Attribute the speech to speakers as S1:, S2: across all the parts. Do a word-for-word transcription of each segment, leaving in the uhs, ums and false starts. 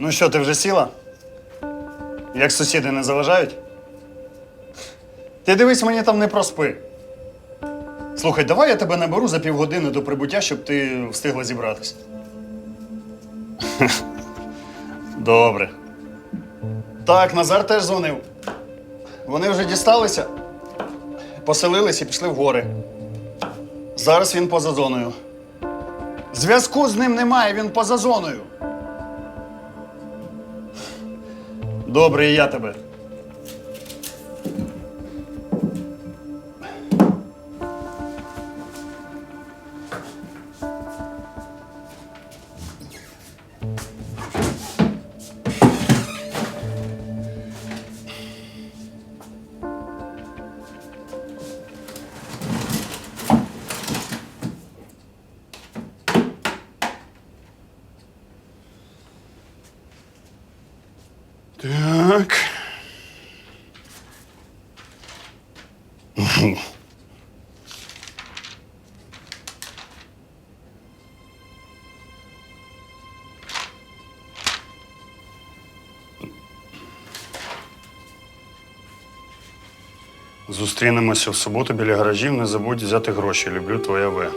S1: Ну що, ти вже сіла? Як сусіди не заважають? Ти дивись, мені там не проспи. Слухай, давай я тебе наберу за півгодини до прибуття, щоб ти встигла зібратися. Добре. Так, Назар теж дзвонив. Вони вже дісталися, поселились і пішли в гори. Зараз він поза зоною. Зв'язку з ним немає, він поза зоною. Добре, і я тебе. Так. Зустрінемося в суботу біля гаражів. Не забудь взяти гроші. Люблю, твоя В.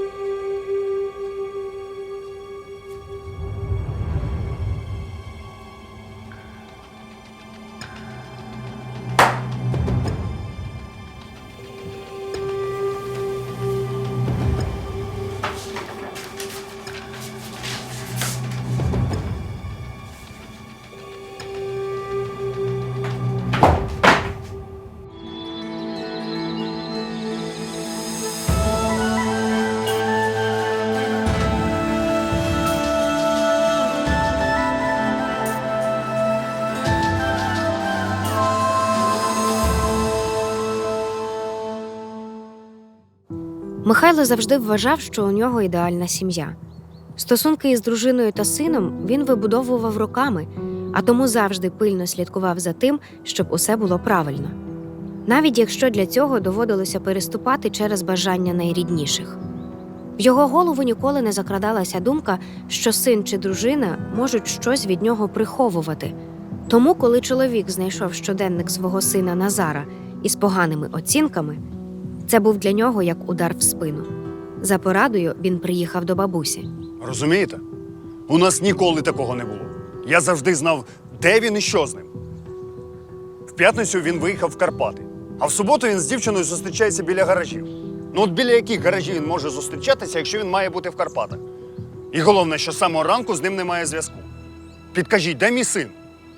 S2: Михайло завжди вважав, що у нього ідеальна сім'я. Стосунки із дружиною та сином він вибудовував роками, а тому завжди пильно слідкував за тим, щоб усе було правильно. Навіть якщо для цього доводилося переступати через бажання найрідніших. В його голову ніколи не закрадалася думка, що син чи дружина можуть щось від нього приховувати. Тому, коли чоловік знайшов щоденник свого сина Назара із поганими оцінками, це був для нього як удар в спину. За порадою він приїхав до бабусі.
S1: Розумієте? У нас ніколи такого не було. Я завжди знав, де він і що з ним. В п'ятницю він виїхав в Карпати, а в суботу він з дівчиною зустрічається біля гаражів. Ну от біля яких гаражів він може зустрічатися, якщо він має бути в Карпатах? І головне, що з самого ранку з ним немає зв'язку. Підкажіть, де мій син?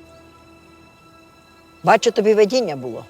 S3: Бачу, тобі видіння було.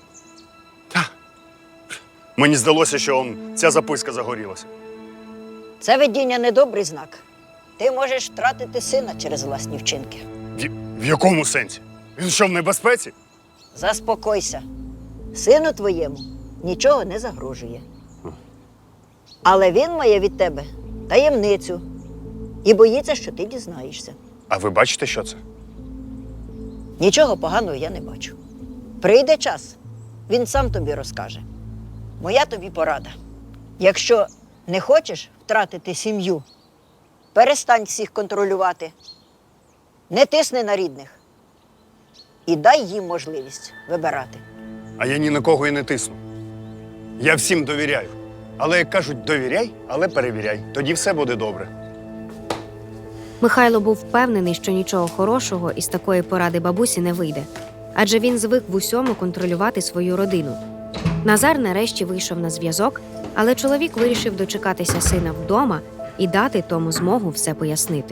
S1: Мені здалося, що он, ця записка загорілася.
S3: Це видіння недобрий знак. Ти можеш втратити сина через власні вчинки.
S1: В, в якому сенсі? Він що, в небезпеці?
S3: Заспокойся. Сину твоєму нічого не загрожує. Але він має від тебе таємницю і боїться, що ти дізнаєшся.
S1: А ви бачите, що це?
S3: Нічого поганого я не бачу. Прийде час, він сам тобі розкаже. Моя тобі порада. Якщо не хочеш втратити сім'ю, перестань всіх контролювати, не тисни на рідних і дай їм можливість вибирати.
S1: А я ні на кого і не тисну. Я всім довіряю. Але, як кажуть, довіряй, але перевіряй. Тоді все буде добре.
S2: Михайло був впевнений, що нічого хорошого із такої поради бабусі не вийде. Адже він звик в усьому контролювати свою родину. Назар нарешті вийшов на зв'язок, але чоловік вирішив дочекатися сина вдома і дати тому змогу все пояснити.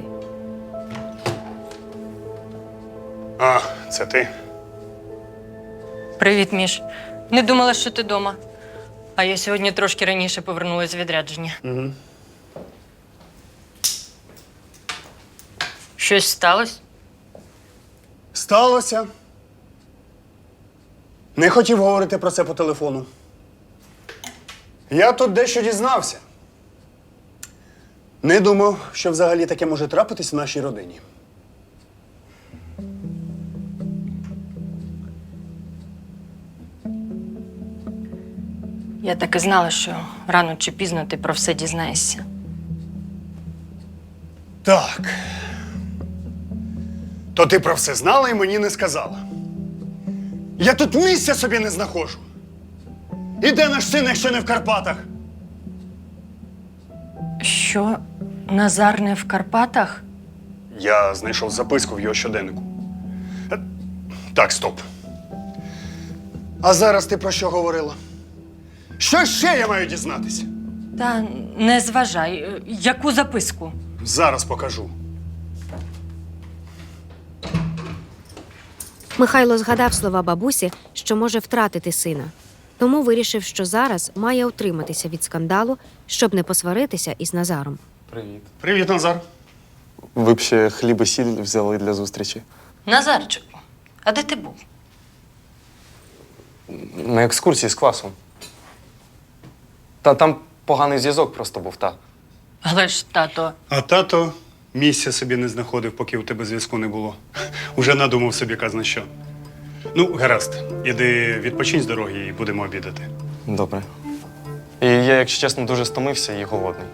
S1: А, це ти?
S4: Привіт, Міш. Не думала, що ти вдома. А я сьогодні трошки раніше повернулася з відрядження.
S1: Угу.
S4: Щось сталося?
S1: Сталося. Не хотів говорити про це по телефону. Я тут дещо дізнався. Не думав, що взагалі таке може трапитись в нашій родині.
S4: Я так і знала, що рано чи пізно ти про все дізнаєшся.
S1: Так. То ти про все знала і мені не сказала. Я тут місця собі не знаходжу. І де наш син, якщо не в Карпатах?
S4: Що, Назар не в Карпатах?
S1: Я знайшов записку в його щоденнику. Е, Так, стоп. А зараз ти про що говорила? Що ще я маю дізнатися?
S4: Та не зважай. Яку записку?
S1: Зараз покажу.
S2: Михайло згадав слова бабусі, що може втратити сина. Тому вирішив, що зараз має утриматися від скандалу, щоб не посваритися із Назаром.
S5: Привіт.
S1: Привіт, Назар.
S5: Ви б ще хліб і сіль взяли для зустрічі.
S4: Назарчику, а де ти був?
S5: На екскурсії з класом. Та там поганий зв'язок просто був, та.
S4: Але ж, тато,
S1: А тато місця собі не знаходив, поки у тебе зв'язку не було. Уже надумав собі казна що. Ну, гаразд, іди відпочинь з дороги і будемо обідати.
S5: Добре. І я, якщо чесно, дуже стомився і голодний.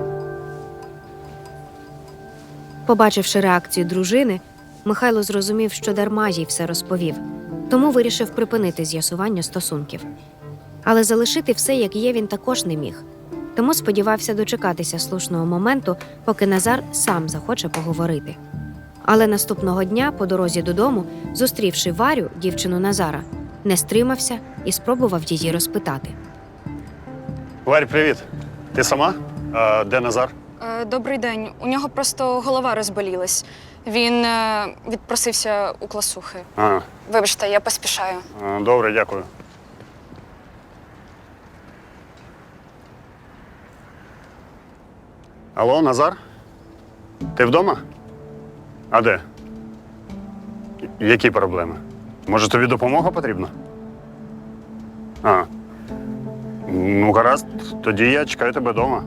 S2: Побачивши реакцію дружини, Михайло зрозумів, що дарма їй все розповів, тому вирішив припинити з'ясування стосунків. Але залишити все, як є, він також не міг. Тому сподівався дочекатися слушного моменту, поки Назар сам захоче поговорити. Але наступного дня, по дорозі додому, зустрівши Варю, дівчину Назара, не стримався і спробував її розпитати.
S1: Варь, привіт. Ти сама? А де Назар?
S6: Е, Добрий день. У нього просто голова розболілась. Він е, відпросився у класухи.
S1: А,
S6: Вибачте, я поспішаю.
S1: добре, дякую. Алло, Назар? Ти вдома? А де? Які проблеми? Може, тобі допомога потрібна? А. Ну, гаразд, тоді я чекаю тебе вдома.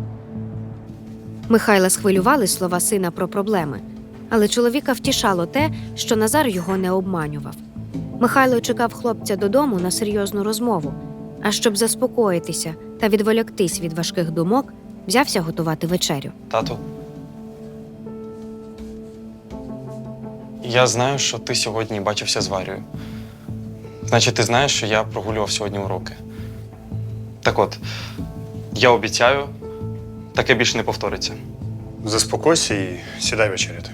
S2: Михайла схвилювали слова сина про проблеми, але чоловіка втішало те, що Назар його не обманював. Михайло чекав хлопця додому на серйозну розмову, а щоб заспокоїтися та відволіктись від важких думок, взявся готувати вечерю.
S5: Тату. Я знаю, що ти сьогодні бачився з Варією. Значить, ти знаєш, що я прогулював сьогодні уроки. Так от, я обіцяю, таке більше не повториться.
S1: Заспокойся і сідай вечеряти.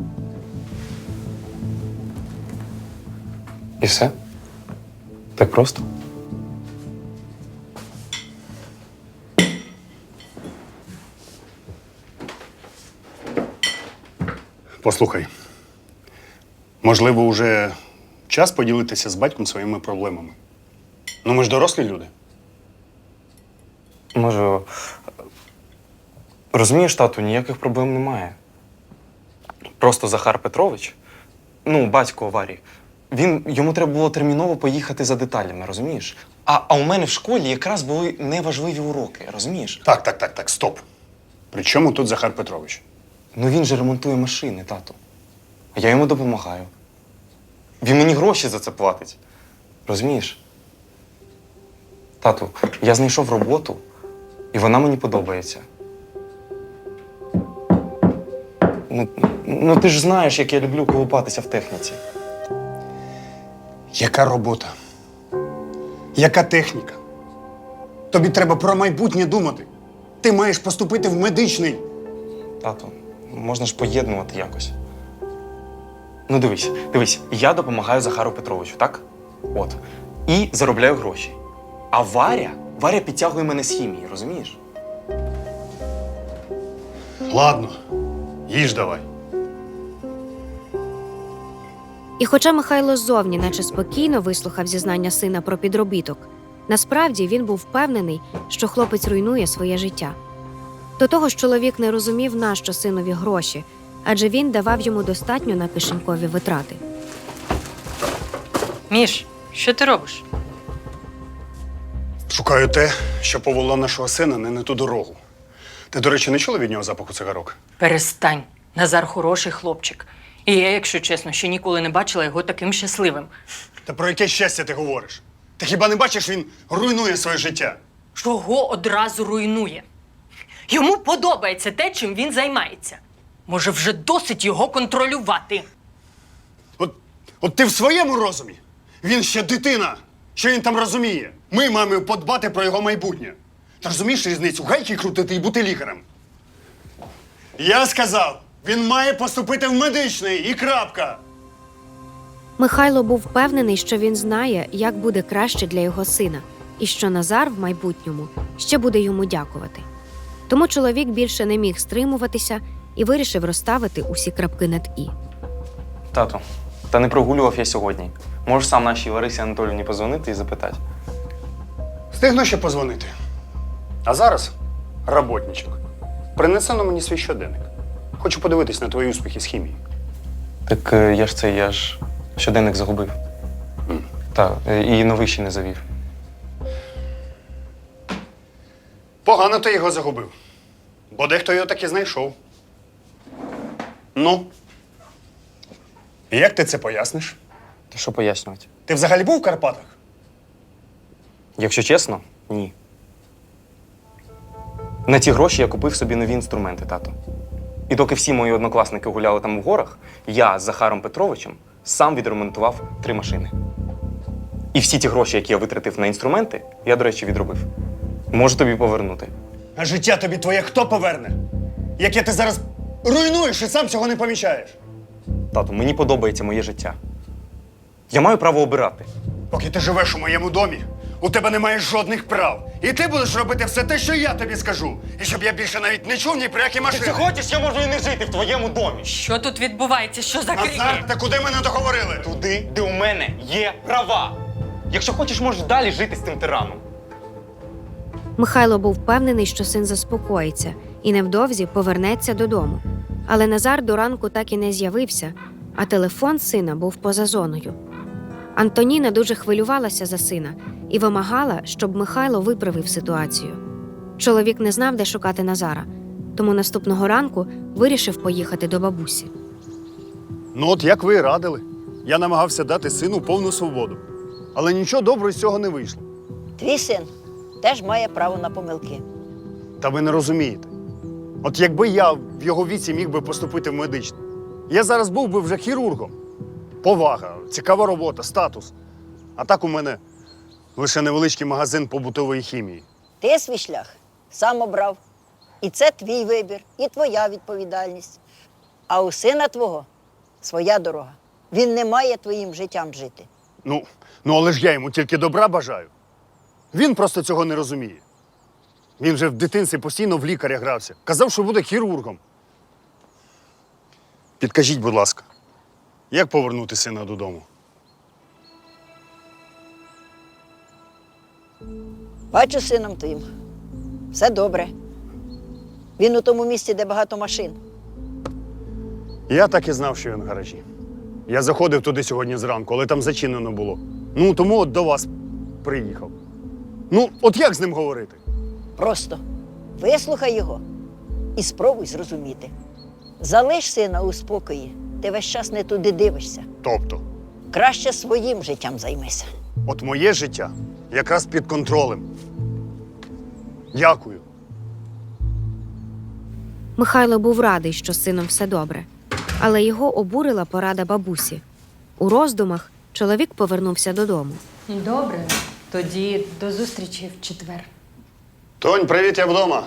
S5: І все? Так просто?
S1: Послухай, можливо, вже час поділитися з батьком своїми проблемами. Ну, ми ж дорослі люди.
S5: Може, розумієш, тату, ніяких проблем немає. Просто Захар Петрович, ну, батько Варі, він, йому треба було терміново поїхати за деталями, розумієш? А, а у мене в школі якраз були неважливі уроки, розумієш?
S1: Так, так, так, так, стоп. При чому тут Захар Петрович?
S5: Ну він же ремонтує машини, тату. А я йому допомагаю. Він мені гроші за це платить. Розумієш? Тату, я знайшов роботу, і вона мені подобається. Ну, ну ти ж знаєш, як я люблю колупатися в техніці.
S1: Яка робота? Яка техніка? Тобі треба про майбутнє думати. Ти маєш поступити в медичний.
S5: Тату, можна ж поєднувати якось. Ну дивись, дивись, я допомагаю Захару Петровичу, так? От. І заробляю гроші. А Варя, Варя підтягує мене з хімії, розумієш?
S1: Ладно, їж давай.
S2: І хоча Михайло ззовні наче спокійно вислухав зізнання сина про підробіток, насправді він був впевнений, що хлопець руйнує своє життя. До того ж, чоловік не розумів, нащо синові гроші, адже він давав йому достатньо на кишенькові витрати.
S4: Міш, що ти робиш?
S1: Шукаю те, що повело нашого сина не на ту дорогу. Ти, до речі, не чула від нього запаху цигарок?
S4: Перестань. Назар хороший хлопчик. І я, якщо чесно, ще ніколи не бачила його таким щасливим.
S1: Та про яке щастя ти говориш? Ти хіба не бачиш, він руйнує своє життя?
S4: Чого одразу руйнує? Йому подобається те, чим він займається. Може, вже досить його контролювати.
S1: От ти в своєму розумі? Він ще дитина. Що він там розуміє? Ми маємо подбати про його майбутнє. Ти розумієш різницю? Гайки крутити і бути лікарем. Я сказав, він має поступити в медичний і крапка.
S2: Михайло був впевнений, що він знає, як буде краще для його сина, і що Назар в майбутньому ще буде йому дякувати. Тому чоловік більше не міг стримуватися і вирішив розставити усі крапки над «і».
S5: Тату, та не прогулював я сьогодні. Можеш сам нашій Ларисі Анатоліївні позвонити і запитати.
S1: Встигну ще позвонити. А зараз, роботничок, принеси на мені свій щоденник. Хочу подивитись на твої успіхи з хімії.
S5: Так е, я ж це, я ж щоденник загубив.
S1: Mm.
S5: Так, і новий ще не завів.
S1: Погано ти його загубив. Бо дехто його таки знайшов. Ну? І як ти це поясниш?
S5: Та що пояснювати?
S1: Ти взагалі був в Карпатах?
S5: Якщо чесно, ні. На ті гроші я купив собі нові інструменти, тато. І доки всі мої однокласники гуляли там в горах, я з Захаром Петровичем сам відремонтував три машини. І всі ті гроші, які я витратив на інструменти, я, до речі, відробив. Можу тобі повернути.
S1: А життя тобі твоє хто поверне? Яке ти зараз руйнуєш і сам цього не помічаєш?
S5: Тату, мені подобається моє життя. Я маю право обирати.
S1: Поки ти живеш у моєму домі, у тебе немає жодних прав. І ти будеш робити все те, що я тобі скажу. І щоб я більше навіть не чув ні про які машини.
S5: хочеш, я можу і не жити в твоєму домі.
S4: Що тут відбувається? Що за крики?
S1: Назар, та куди мене договорили?
S5: Туди, де у мене є права. Якщо хочеш, можеш далі жити з тим тираном.
S2: Михайло був впевнений, що син заспокоїться і невдовзі повернеться додому. Але Назар до ранку так і не з'явився, а телефон сина був поза зоною. Антоніна дуже хвилювалася за сина і вимагала, щоб Михайло виправив ситуацію. Чоловік не знав, де шукати Назара, тому наступного ранку вирішив поїхати до бабусі.
S1: Ну от як ви і радили. Я намагався дати сину повну свободу. Але нічого доброго з цього не вийшло.
S3: Твій син теж має право на помилки.
S1: Та ви не розумієте. От якби я в його віці міг би поступити в медичний, я зараз був би вже хірургом. Повага, цікава робота, статус. А так у мене лише невеличкий магазин побутової хімії.
S3: Ти свій шлях сам обрав. І це твій вибір, і твоя відповідальність. А у сина твого своя дорога. Він не має твоїм життям жити.
S1: Ну, ну але ж я йому тільки добра бажаю. Він просто цього не розуміє. Він же в дитинстві постійно в лікаря грався. Казав, що буде хірургом. Підкажіть, будь ласка, як повернути сина додому?
S3: Бачу з сином твоїм. Все добре. Він у тому місці, де багато машин.
S1: Я так і знав, що він в гаражі. Я заходив туди сьогодні зранку, але там зачинено було. Ну, тому от до вас приїхав. Ну, от як з ним говорити?
S3: Просто вислухай його і спробуй зрозуміти. Залиш сина у спокої, ти весь час не туди дивишся.
S1: Тобто,
S3: Краще своїм життям займися.
S1: от моє життя якраз під контролем. Дякую.
S2: Михайло був радий, що з сином все добре, але його обурила порада бабусі. У роздумах чоловік повернувся додому.
S4: Добре, тоді до зустрічі в четвер.
S1: Тонь, привіт, я вдома.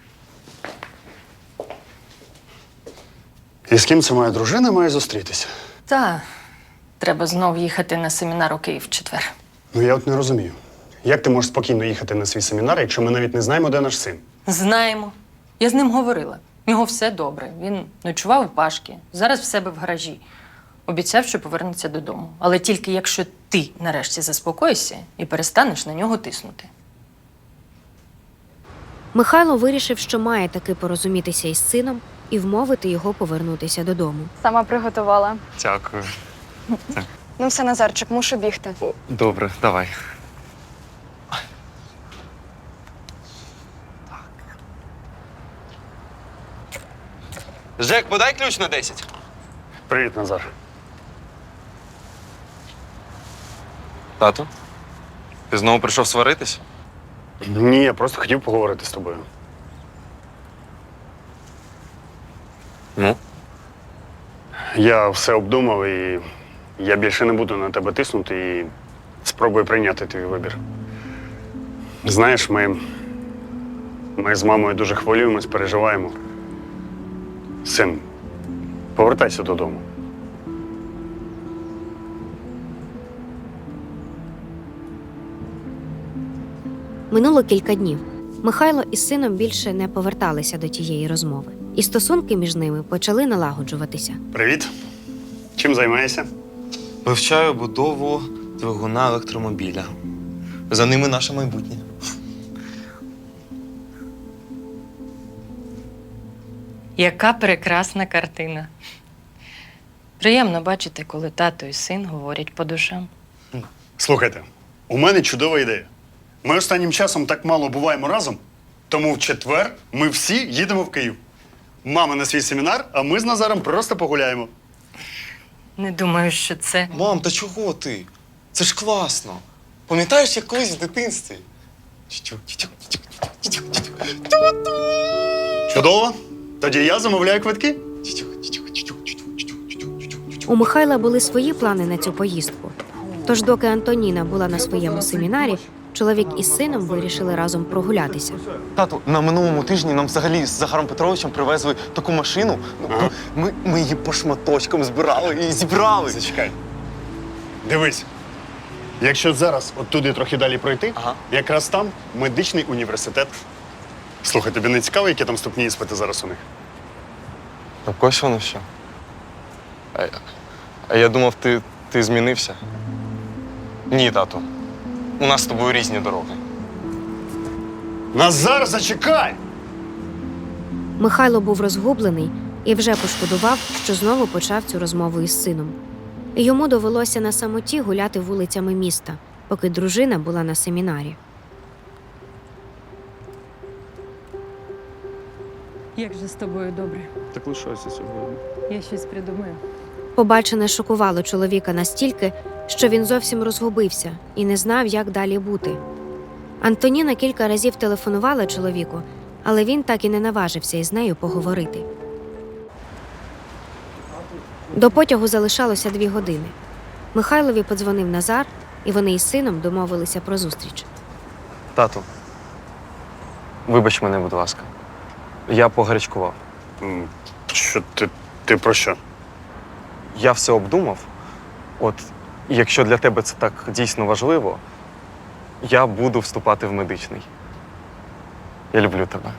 S1: І з ким це моя дружина має зустрітися?
S4: Та, треба знов їхати на семінар у Київ в четвер.
S1: Ну, я от не розумію. Як ти можеш спокійно їхати на свій семінар, якщо ми навіть не знаємо, де наш син?
S4: Знаємо. Я з ним говорила. У нього все добре. Він ночував у Пашки, зараз в себе в гаражі. Обіцяв, що повернеться додому. Але тільки якщо ти нарешті заспокоїшся і перестанеш на нього тиснути.
S2: Михайло вирішив, що має таки порозумітися із сином і вмовити його повернутися додому.
S6: Сама приготувала.
S5: Дякую.
S6: Ну все, Назарчик, мушу бігти.
S5: Добре, давай. Жек, подай ключ на десять.
S1: Привіт, Назар.
S5: Тату, ти знову прийшов сваритись?
S1: Ні, я просто хотів поговорити з тобою.
S5: Ну?
S1: Я все обдумав і Я більше не буду на тебе тиснути і спробую прийняти твій вибір. Знаєш, ми, ми з мамою дуже хвилюємось, переживаємо. Син, повертайся додому.
S2: Минуло кілька днів. Михайло із сином більше не поверталися до тієї розмови, і стосунки між ними почали налагоджуватися.
S1: Привіт. Чим займаєшся?
S5: Вивчаю будову двигуна електромобіля. За ними наше майбутнє.
S4: Яка прекрасна картина. Приємно бачити, коли тато і син говорять по душам.
S1: Слухайте, у мене чудова ідея. Ми останнім часом так мало буваємо разом, тому в четвер ми всі їдемо в Київ. Мама на свій семінар, а ми з Назаром просто погуляємо.
S4: Не думаю, що це.
S5: Мам, та чого ти? Це ж класно. Пам'ятаєш, як колись в дитинстві?
S1: Чудово. Тоді я замовляю квитки.
S2: У Михайла були свої плани на цю поїздку. Тож, доки Антоніна була на своєму семінарі, чоловік із сином вирішили разом прогулятися.
S5: Тату, на минулому тижні нам взагалі з Захаром Петровичем привезли таку машину. Ну,
S1: Ага.
S5: Ми, ми її по шматочкам збирали і зібрали.
S1: Зачекай. Дивись. Якщо зараз от туди трохи далі пройти,
S5: Ага.
S1: якраз там медичний університет. Слухай, тобі не цікаво, які там вступні іспити зараз у них?
S5: Так ось воно що. А, я- а я думав, ти, ти змінився. Ні, тату. У нас з тобою різні дороги.
S1: Назар, зачекай!
S2: Михайло був розгублений і вже пошкодував, що знову почав цю розмову із сином. Йому довелося на самоті гуляти вулицями міста, поки дружина була на семінарі.
S4: Як же з тобою добре?
S1: Так лишайся сьогодні.
S4: Я щось придумаю.
S2: Побачене шокувало чоловіка настільки, що він зовсім розгубився і не знав, як далі бути. Антоніна кілька разів телефонувала чоловіку, але він так і не наважився із нею поговорити. До потягу залишалося дві години. Михайлові подзвонив Назар, і вони із сином домовилися про зустріч.
S5: Тату, вибач мене, будь ласка. Я погарячкував.
S1: М, Що ти, ти про що?
S5: Я все обдумав. От, якщо для тебе це так дійсно важливо, я буду вступати в медичний. Я люблю тебе.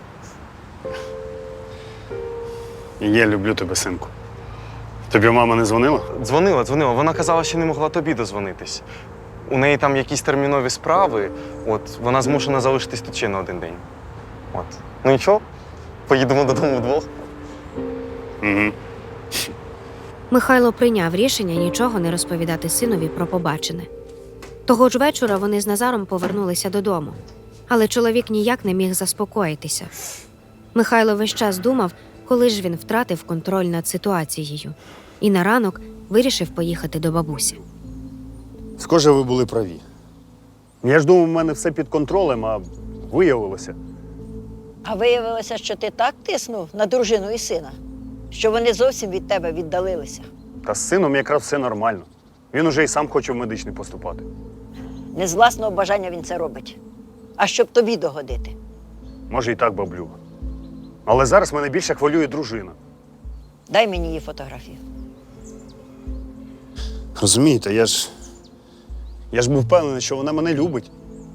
S1: Я люблю тебе, синку. Тобі мама не дзвонила?
S5: Дзвонила, дзвонила. Вона казала, що не могла тобі дозвонитись. У неї там якісь термінові справи, от вона змушена залишитись тут ще на один день. От. Ну нічого, поїдемо додому вдвох.
S1: Угу.
S2: Михайло прийняв рішення нічого не розповідати синові про побачене. Того ж вечора вони з Назаром повернулися додому, але чоловік ніяк не міг заспокоїтися. Михайло весь час думав, коли ж він втратив контроль над ситуацією, і на ранок вирішив поїхати до бабусі.
S1: Схоже, ви були праві. Я ж думав, у мене все під контролем, а виявилося.
S3: А виявилося, що ти так тиснув на дружину і сина, що вони зовсім від тебе віддалилися.
S1: Та з сином якраз все нормально. Він уже і сам хоче в медичний поступати.
S3: Не з власного бажання він це робить, а щоб тобі догодити.
S1: Може, і так, баблюга. Але зараз мене більше хвилює дружина.
S3: Дай мені її фотографію.
S1: Розумієте, я ж. Я ж був впевнений, що вона мене любить.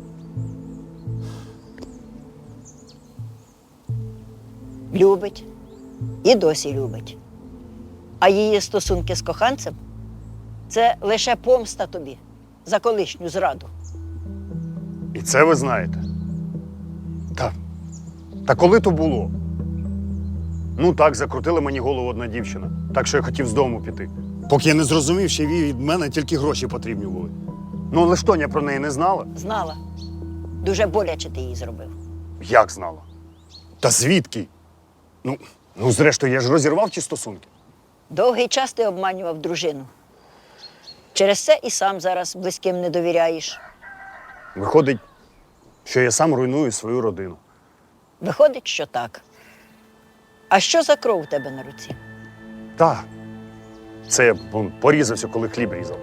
S3: Любить. І досі любить. А її стосунки з коханцем – це лише помста тобі за колишню зраду.
S1: І це ви знаєте. Та. Та коли то було? Ну так, закрутила мені голову одна дівчина, так що я хотів з дому піти. Поки я не зрозумів, що їй від мене тільки гроші потрібні були. Ну, але ж Тоня про неї не знала.
S3: Знала. Дуже боляче ти її зробив.
S1: Як знала? Та звідки? Ну, ну, зрештою, я ж розірвав ті стосунки.
S3: Довгий час ти обманював дружину. Через це і сам зараз близьким не довіряєш.
S1: Виходить, що я сам руйную свою родину.
S3: Виходить, що так. А що за кров у тебе на руці?
S1: Так, Це я вон, порізався, коли хліб різав.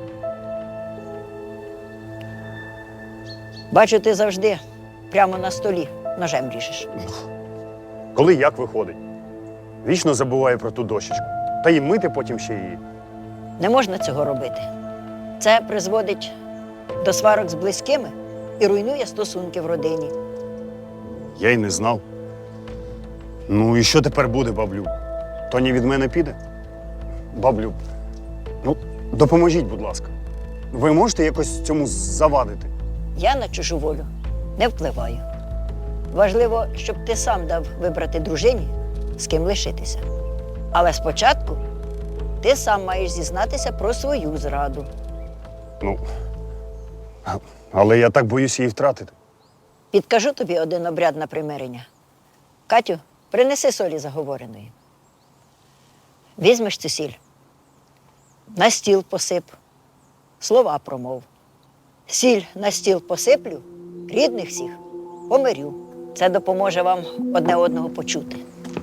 S3: Бачу, ти завжди прямо на столі ножем ріжеш.
S1: Коли як виходить. Вічно забуваю про ту дощечку. Та й мити потім ще її.
S3: Не можна цього робити. Це призводить до сварок з близькими і руйнує стосунки в родині.
S1: Я й не знав. Ну і що тепер буде, баблю? Тоні від мене піде? Баблю, ну, допоможіть, будь ласка. Ви можете якось цьому завадити?
S3: Я на чужу волю не впливаю. Важливо, щоб ти сам дав вибрати дружині, з ким лишитися. Але спочатку ти сам маєш зізнатися про свою зраду.
S1: Ну, а- але я так боюсь її втратити.
S3: Підкажу тобі один обряд на примирення. Катю, принеси солі заговореної. Візьмеш цю сіль, на стіл посип, слова промов. Сіль на стіл посиплю, рідних всіх помирю. Це допоможе вам одне одного почути.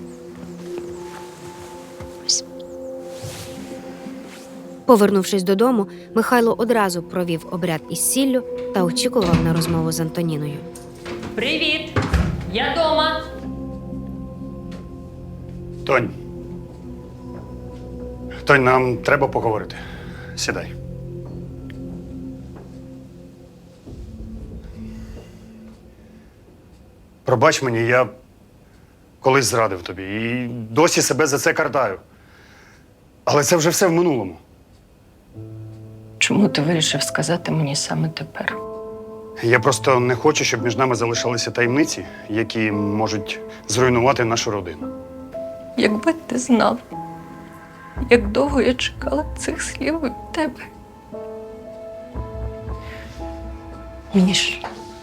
S2: Повернувшись додому, Михайло одразу провів обряд із сіллю та очікував на розмову з Антоніною.
S4: Привіт! Я дома.
S1: Тонь. Тонь, нам треба поговорити. Сідай. Пробач мені, я колись зрадив тобі і досі себе за це картаю. Але це вже все в минулому.
S4: Чому ти вирішив сказати мені саме тепер?
S1: Я просто не хочу, щоб між нами залишалися таємниці, які можуть зруйнувати нашу родину.
S4: Якби ти знав, як довго я чекала цих слів від тебе. Мені ж.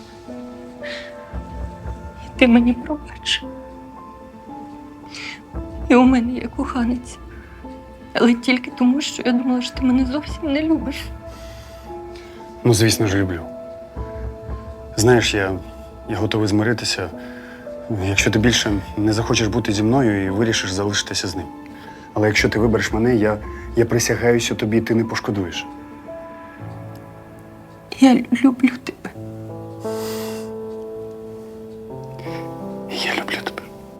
S4: І ти мені пробач. І у мене є коханець. Але тільки тому, що я думала, що ти мене зовсім не любиш.
S1: Ну, звісно ж, люблю. Знаєш, я, я готовий змиритися, якщо ти більше не захочеш бути зі мною і вирішиш залишитися з ним. Але якщо ти вибереш мене, я, я присягаюся тобі, ти не пошкодуєш.
S4: Я люблю тебе.
S1: Я люблю тебе.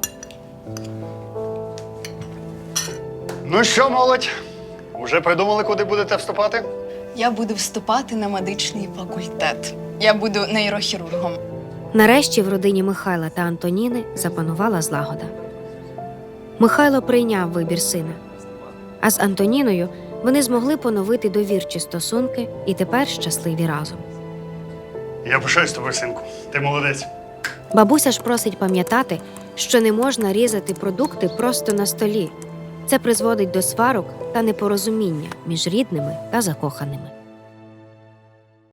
S1: Ну що, молодь? Уже придумали, куди будете вступати?
S7: Я буду вступати на медичний факультет. Я буду нейрохірургом.
S2: Нарешті в родині Михайла та Антоніни запанувала злагода. Михайло прийняв вибір сина, а з Антоніною вони змогли поновити довірчі стосунки і тепер щасливі разом.
S1: Я пишаюсь тобою, синку. Ти молодець.
S2: Бабуся ж просить пам'ятати, що не можна різати продукти просто на столі. Це призводить до сварок та непорозуміння між рідними та закоханими.